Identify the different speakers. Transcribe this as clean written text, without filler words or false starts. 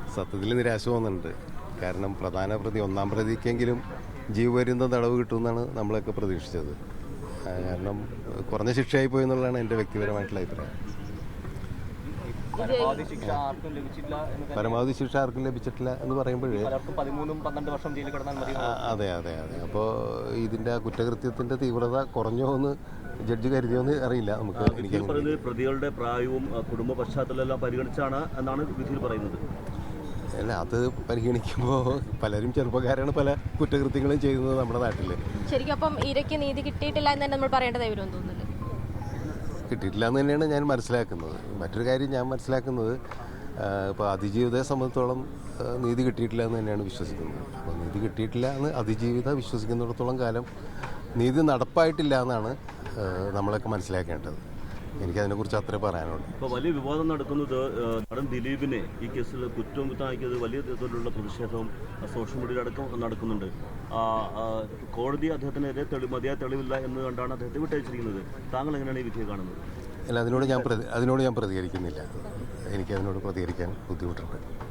Speaker 1: സത്യത്തിൽ നിരാശ തോന്നുന്നുണ്ട്. കാരണം പ്രധാന പ്രതി ഒന്നാം പ്രതിക്കെങ്കിലും ജീവപര്യന്തം തടവ് കിട്ടുമെന്നാണ് നമ്മളൊക്കെ പ്രതീക്ഷിച്ചത്. കാരണം കുറഞ്ഞ ശിക്ഷയായി പോയി എന്നുള്ളതാണ് എൻ്റെ വ്യക്തിപരമായിട്ടുള്ള അഭിപ്രായം.
Speaker 2: പരമാവധി ശിക്ഷ ആർക്കും ലഭിച്ചില്ല
Speaker 1: പരമാവധി ശിക്ഷ ആർക്കും ലഭിച്ചിട്ടില്ല എന്ന് പറയുമ്പോഴേ
Speaker 2: 13-12 വർഷം ജയിലിൽ കിടന്നാൽ മതി.
Speaker 1: അതെ. അപ്പോൾ ഇതിൻ്റെ കുറ്റകൃത്യത്തിൻ്റെ തീവ്രത കുറഞ്ഞോ എന്ന് ജഡ്ജി കരുതിയോന്ന് അറിയില്ല. നമുക്ക് എനിക്ക്
Speaker 3: പ്രതികളുടെ പ്രായവും കുടുംബ പശ്ചാത്തലമെല്ലാം പരിഗണിച്ചാണ് എന്നാണ് വിധിയിൽ പറയുന്നത്.
Speaker 1: അല്ല, അത് പരിഗണിക്കുമ്പോൾ പലരും ചെറുപ്പക്കാരാണ് പല കുറ്റകൃത്യങ്ങളും ചെയ്യുന്നത് നമ്മുടെ നാട്ടിൽ.
Speaker 4: ശരിക്കും അപ്പം ഇരയ്ക്ക് നീതി കിട്ടിയിട്ടില്ല എന്ന് തന്നെ നമ്മൾ പറയേണ്ടതായി വരുമെന്ന് തോന്നുന്നില്ല.
Speaker 1: കിട്ടിയിട്ടില്ല എന്ന് തന്നെയാണ് ഞാൻ മനസ്സിലാക്കുന്നത്. മറ്റൊരു കാര്യം ഞാൻ മനസ്സിലാക്കുന്നത്, ഇപ്പോൾ അതിജീവിതയെ സംബന്ധിച്ചോളം നീതി കിട്ടിയിട്ടില്ല എന്ന് തന്നെയാണ് വിശ്വസിക്കുന്നത്. അപ്പോൾ നീതി കിട്ടിയിട്ടില്ല എന്ന് അതിജീവിത വിശ്വസിക്കുന്നിടത്തോളം കാലം നീതി നടപ്പായിട്ടില്ല എന്നാണ് നമ്മളൊക്കെ മനസ്സിലാക്കേണ്ടത്. എനിക്കതിനെക്കുറിച്ച് അത്രേ പറയാനുള്ളൂ.
Speaker 3: ഇപ്പോൾ വലിയ വിവാദം നടക്കുന്നത് നടൻ ദിലീപിനെ ഈ കേസിൽ കുറ്റമുക്തമാക്കിയത് വലിയ തരത്തിലുള്ള പ്രതിഷേധവും സോഷ്യൽ മീഡിയയിലടക്കം നടക്കുന്നുണ്ട്. കോടതി അദ്ദേഹത്തിനെതിരെ മതിയായ തെളിവില്ല എന്ന് കണ്ടാണ് അദ്ദേഹത്തെ വിട്ടയച്ചിരിക്കുന്നത്. താങ്കൾ എങ്ങനെയാണ് ഈ വിധിയെ കാണുന്നത്?
Speaker 1: അല്ല, അതിനോട് ഞാൻ പ്രതികരിക്കുന്നില്ല. എനിക്കതിനോട് പ്രതികരിക്കാൻ ബുദ്ധിമുട്ടുണ്ട്.